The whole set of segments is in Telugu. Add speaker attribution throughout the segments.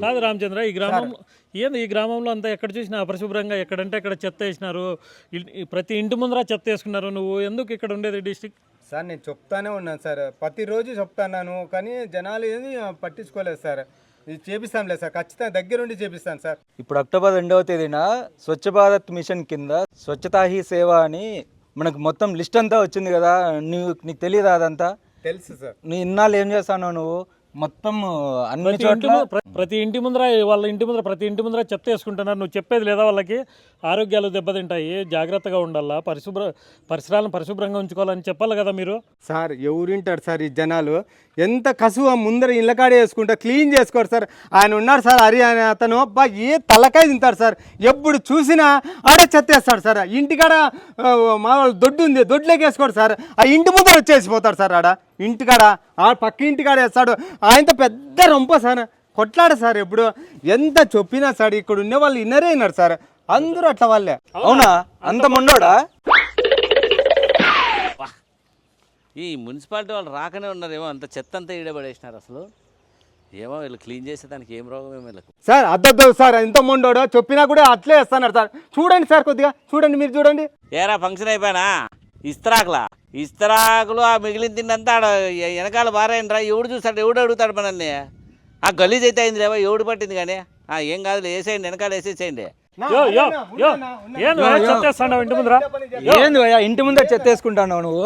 Speaker 1: కాదు రామచంద్ర, ఈ గ్రామంలో అంతా ఎక్కడ చూసినా అపరిశుభ్రంగా, ఎక్కడంటే అక్కడ చెత్త వేసినారు. ప్రతి ఇంటి ముందర చెత్త వేసుకున్నారు. నువ్వు ఎందుకు ఇక్కడ ఉండేది డిస్టిక్?
Speaker 2: సార్ నేను చెప్తానే ఉన్నాను సార్, ప్రతిరోజు చెప్తాను, కానీ జనాలు ఏది పట్టించుకోలేదు సార్. ఇది చేపిస్తాంలే సార్, ఖచ్చితంగా దగ్గరుండి చేపిస్తాను సార్.
Speaker 3: ఇప్పుడు అక్టోబర్ 2వ తేదీన స్వచ్ఛ భారత్ మిషన్ కింద స్వచ్ఛతా హీ సేవ అని మనకు మొత్తం లిస్ట్ అంతా వచ్చింది కదా. నీకు తెలియదా అదంతా?
Speaker 2: తెలుసు సార్.
Speaker 3: నీ ఇన్నాళ్ళు ఏం చేస్తాను నువ్వు? మొత్తం అన్ని చోట్ల
Speaker 1: ప్రతి ఇంటి ముందర ప్రతి ఇంటి ముందర చెత్త వేసుకుంటున్నారు. నువ్వు చెప్పేది లేదా వాళ్ళకి? ఆరోగ్యాలు దెబ్బతింటాయి, జాగ్రత్తగా ఉండాలా, పరిసరాలను పరిశుభ్రంగా ఉంచుకోవాలని చెప్పాలి కదా మీరు.
Speaker 2: సార్ ఎవరింటారు సార్ ఈ జనాలు? ఎంత కసువ ముందర ఇళ్ళకాడే వేసుకుంటా క్లీన్ చేసుకోరు సార్. ఆయన ఉన్నాడు సార్, హరి అనే అతను, అబ్బా ఏ తలకాయ తింటారు సార్. ఎప్పుడు చూసినా ఆడే చెత్త వేస్తాడు సార్. ఇంటికాడ మా దొడ్డు ఉంది, దొడ్లోకి వేసుకోడు సార్. ఆ ఇంటి ముందర వచ్చేసిపోతాడు సార్. ఆడ ఇంటికాడ పక్క ఇంటికాడ వేస్తాడు. ఆయనతో పెద్ద రొంప సార్, కొట్లాడు సార్. ఎప్పుడు ఎంత చెప్పినా సార్ ఇక్కడ ఉండే వాళ్ళు ఇన్నరే అయినారు సార్, అందరూ అట్లా వాళ్ళే.
Speaker 3: అవునా? అంత మొండోడా?
Speaker 4: ఈ మున్సిపాలిటీ వాళ్ళు రాకనే ఉన్నారేమో, అంత చెత్త అంతా ఈడబడేసినారు. అసలు ఏమో వీళ్ళు క్లీన్ చేసేదానికి ఏం రోగం ఏమో వీళ్ళకు.
Speaker 2: సార్ అద్దద్దు సార్, ఎంత మొండోడో చెప్పినా కూడా అట్లే వేస్తున్నారు సార్. చూడండి సార్, కొద్దిగా చూడండి, మీరు చూడండి.
Speaker 4: ఏరా ఫంక్షన్ అయిపోయినా ఇస్తరాకులు ఆ మిగిలిన తిన్నంతా ఆడ వెనకాల బారైనరా. ఎవడు చూస్తాడు, ఎవడు అడుగుతాడు మనల్ని? ఆ గలీజ్ అయితే అయింది లేవా, ఎవడు పట్టింది కానీ. ఏం కాదు, వేసేయండి, వెనకాల వేసేసేయండి.
Speaker 3: ఇంటి ముందర చెత్త వేసుకుంటాను నువ్వు?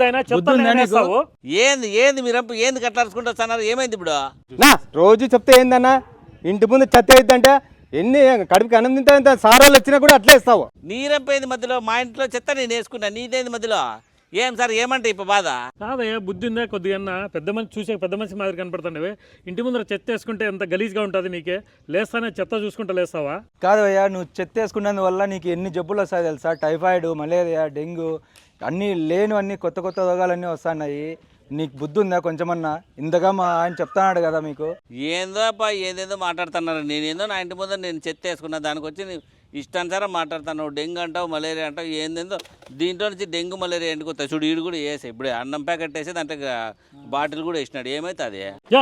Speaker 4: ఏంది మీరంపు ఏంది కట్లాడుకుంటున్నారు? ఏమైంది ఇప్పుడు?
Speaker 2: రోజు చెప్తే ఏందన్నా ఇంటి ముందు చెత్త వేద్దంటే ఎన్ని కడుపుకి అన్నం తింటా సార్ వాళ్ళు వచ్చినా కూడా అట్లే ఇస్తావు.
Speaker 4: నీరంపోయింది మధ్యలో, మా ఇంట్లో చెత్త నేను వేసుకున్నా, నీదేంది మధ్యలో? ఏం సార్ ఏమంటే ఇప్పుడు బాధ?
Speaker 1: కాదయ్యా, బుద్ధి ఉందా కొద్దిగా? పెద్ద మనిషి చూసే పెద్ద మనిషి మాదిరి కనపడుతుండేవి. ఇంటి ముందర చెత్త వేసుకుంటే ఎంత గలీజ్గా ఉంటుంది నీకే. లేస్తానే చెత్త చూసుకుంటా లేస్తావా?
Speaker 3: కాదు అయ్యా, నువ్వు చెత్త వేసుకున్నందువల్ల నీకు ఎన్ని జబ్బులు వస్తాయి తెలుసా? టైఫాయిడ్, మలేరియా, డెంగ్యూ అన్నీ లేనివన్నీ కొత్త కొత్త రోగాలన్నీ వస్తున్నాయి. నీకు బుద్ధి ఉందా కొంచెమన్నా? ఇంతగా మా ఆయన చెప్తున్నాడు కదా మీకు.
Speaker 4: ఏందో అప్ప ఏదేదో మాట్లాడుతున్నారు. నేనేందో నా ఇంటి ముందర నేను చెత్త వేసుకున్నా, దానికి వచ్చి ఇష్టానుసారం మాట్లాడుతున్నావు. డెంగ్యూ అంటావు, మలేరియా అంటావు, ఏందేందో. దీంట్లో నుంచి డెంగ్యూ మలేరియా ఎండుకొస్తాయి చూడు. ఈడు కూడా వేసే ఇప్పుడే అన్నం ప్యాకెట్ వేసి దాంట్లో బాటిల్ కూడా వేసినాడు. ఏమైతుంది?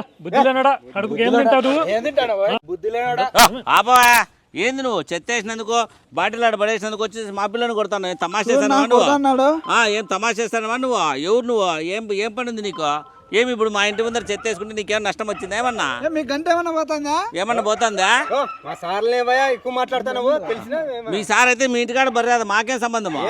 Speaker 4: ఆపా, ఏంది నువ్వు చెత్త వేసినందుకు బాటిల్ ఆడ పడేసినందుకు వచ్చేసి మా పిల్లని కొడతాను. తమాషా చేస్తాను నువ్వు? ఏం తమాషా చేస్తానవా నువ్వు? ఎవరు నువ్వు? ఏం పని ఉంది నీకు? ఏమి ఇప్పుడు మా ఇంటి ముందర చెత్త వేసుకుంటే నీకేమన్నా నష్టం వచ్చిందా? ఏమన్నా ఏమన్నా పోతుందా?
Speaker 2: ఎక్కువ మాట్లాడుతున్నావు తెలిసిన.
Speaker 4: మీ సార్ అయితే మీ ఇంటికాడ బర్రె, మాకేం సంబంధము?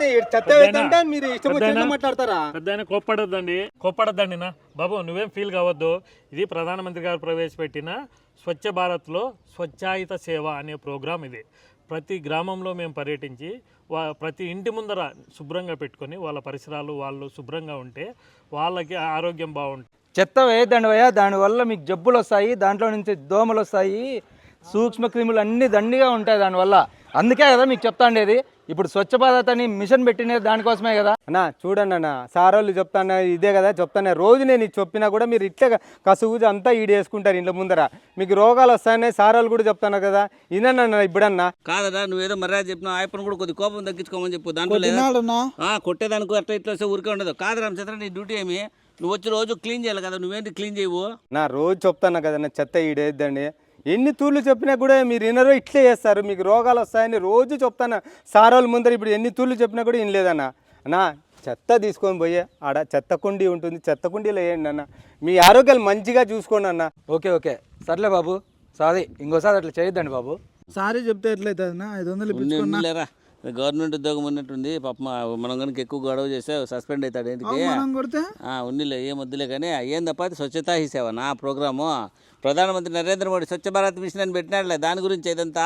Speaker 2: మాట్లాడతారా?
Speaker 1: పెద్ద కోప్పడద్దండి నా బాబు, నువ్వేం ఫీల్ కావద్దు. ఇది ప్రధానమంత్రి గారు ప్రవేశపెట్టిన స్వచ్ఛ భారత్లో స్వచ్ఛాయుత సేవ అనే ప్రోగ్రాం. ఇది ప్రతి గ్రామంలో మేము పర్యటించి ప్రతి ఇంటి ముందర శుభ్రంగా పెట్టుకొని వాళ్ళ పరిసరాలు వాళ్ళు శుభ్రంగా ఉంటే వాళ్ళకి ఆరోగ్యం బాగుంటుంది.
Speaker 3: చెత్త వేయద్దండి భయ్యా, దానివల్ల మీకు జబ్బులు వస్తాయి, దాంట్లో నుంచి దోమలు వస్తాయి, సూక్ష్మ క్రిములు అన్నీ దండిగా ఉంటాయి దానివల్ల. అందుకే కదా మీకు చెప్తాండేది. ఇప్పుడు స్వచ్ఛ భారత్ అని మిషన్ పెట్టినది దానికోసమే కదా.
Speaker 2: అన్నా చూడండి అన్న, సార్ వాళ్ళు చెప్తాను ఇదే కదా చెప్తాను. రోజు నేను ఇది చెప్పినా కూడా మీరు ఇట్లే కసుగు అంతా ఈడేసుకుంటారు ఇంట్లో ముందర, మీకు రోగాలు వస్తాయని సార్ వాళ్ళు కూడా చెప్తాను కదా. ఇదన్నా ఇప్పుడన్నా
Speaker 4: కాదన్నా, నువ్వేదో మర్యాద చెప్పినా ఆయప్పని కూడా కొద్ది కోపం తగ్గించుకోమని చెప్పు. దాంట్లో కొట్టేదానికి అట్లా ఇట్లా వస్తే ఊరికే ఉండదు. కాదు రామచంద్ర, నీ డ్యూటీ ఏమి? నువ్వు వచ్చి రోజు క్లీన్ చేయాలి కదా, నువ్వేంటి క్లీన్ చేయవు?
Speaker 2: నా రోజు చెప్తాను కదా నా చెత్త ఈడేద్దండి. ఎన్ని తూర్లు చెప్పినా కూడా మీరు వినరో ఇట్లే చేస్తారు, మీకు రోగాలు వస్తాయని రోజు చెప్తాను సార్ వాళ్ళ ముందర. ఇప్పుడు ఎన్ని తూర్లు చెప్పినా కూడా వినలేదన్న. అన్నా చెత్త తీసుకొని పోయే ఆడ చెత్త కుండీ ఉంటుంది, చెత్త కుండీలో వేయండి అన్న, మీ ఆరోగ్యాలు మంచిగా చూసుకోండి అన్న.
Speaker 3: ఓకే సర్లే బాబు, సారీ ఇంకోసారి అట్లా చేయొద్దండి బాబు.
Speaker 5: సారీ చెప్తే ఎట్లయితే 500
Speaker 4: లేరా, గవర్నమెంట్ ఉద్యోగం ఉన్నట్టుంది పాప. మనం కనుక ఎక్కువ గొడవ చేస్తే సస్పెండ్ అవుతాడు. ఏంటికి ఉన్నిలే, ఏం వద్దులే కానీ. ఏందప్ప స్వచ్ఛతా హీ సేవ నా ప్రోగ్రాము. ప్రధానమంత్రి నరేంద్ర మోడీ స్వచ్ఛ భారత్ మిషన్ అని పెట్టినాడులే, దాని గురించి ఇదంతా.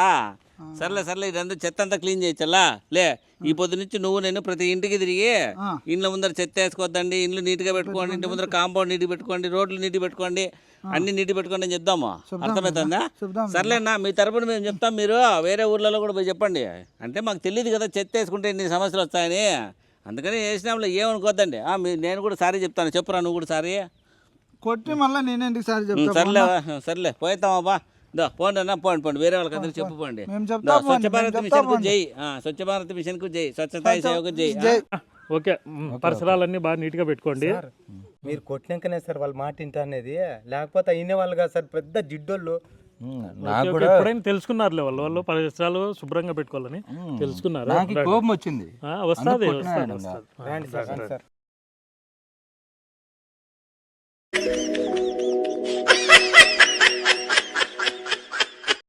Speaker 4: సర్లే ఇదంతా చెత్త అంతా క్లీన్ చేయొచ్చల్లా. లే, ఈ పొద్దు నుంచి నువ్వు నేను ప్రతి ఇంటికి తిరిగి ఇండ్ల ముందర చెత్త వేసుకోవద్దండి, ఇండ్లు నీట్గా పెట్టుకోండి, ఇంటి ముందర కాంపౌండ్ నీట్గా పెట్టుకోండి, రోడ్లు నీట్గా పెట్టుకోండి, అన్ని నీట్గా పెట్టుకోండి అని చెప్దాము. అర్థమవుతుందా? సర్లేనా, మీ తరపున మేము చెప్తాం, మీరు వేరే ఊర్లలో కూడా పోయి చెప్పండి. అంటే మాకు తెలియదు కదా చెత్త వేసుకుంటే ఇన్ని సమస్యలు వస్తాయని, అందుకని వేసినాంలో ఏమనుకోద్దండి. నేను కూడా సారీ చెప్తాను, చెప్పురా నువ్వు కూడా సారీ
Speaker 5: కొట్టి మళ్ళీ నేనేంటికి సారీ చెప్తాను.
Speaker 4: సర్లే పోతామబ్బా, పోండి అన్న, పోండి వేరే వాళ్ళకి అందరూ చెప్పుకోండి. స్వచ్ఛ భారత్ మిషన్ కు జై, స్వచ్ఛ భారత్ మిషన్ కు జై, స్వచ్ఛతా సేవకు జై.
Speaker 1: ఓకే, పరిసరాలన్నీ బాగా నీట్గా పెట్టుకోండి.
Speaker 2: మీరు కొట్టినాకనే సార్ వాళ్ళ మాట ఇంట అనేది, లేకపోతే అయిన వాళ్ళు కాదు సార్, పెద్ద జిడ్డోళ్ళు
Speaker 3: నాకు
Speaker 1: ఓకే,
Speaker 3: కూడా
Speaker 1: ఎప్పుడైనా తెలుసుకున్నారులే వాళ్ళు పరిసరాలు శుభ్రంగా పెట్టుకోవాలని తెలుసుకున్నారు.
Speaker 3: నాకు కోపం వచ్చింది.
Speaker 1: వస్తుంది
Speaker 3: అందుకు కొట్టినా
Speaker 1: వస్తుంది
Speaker 3: ఆయన.
Speaker 2: రండి సార్, రండి సార్.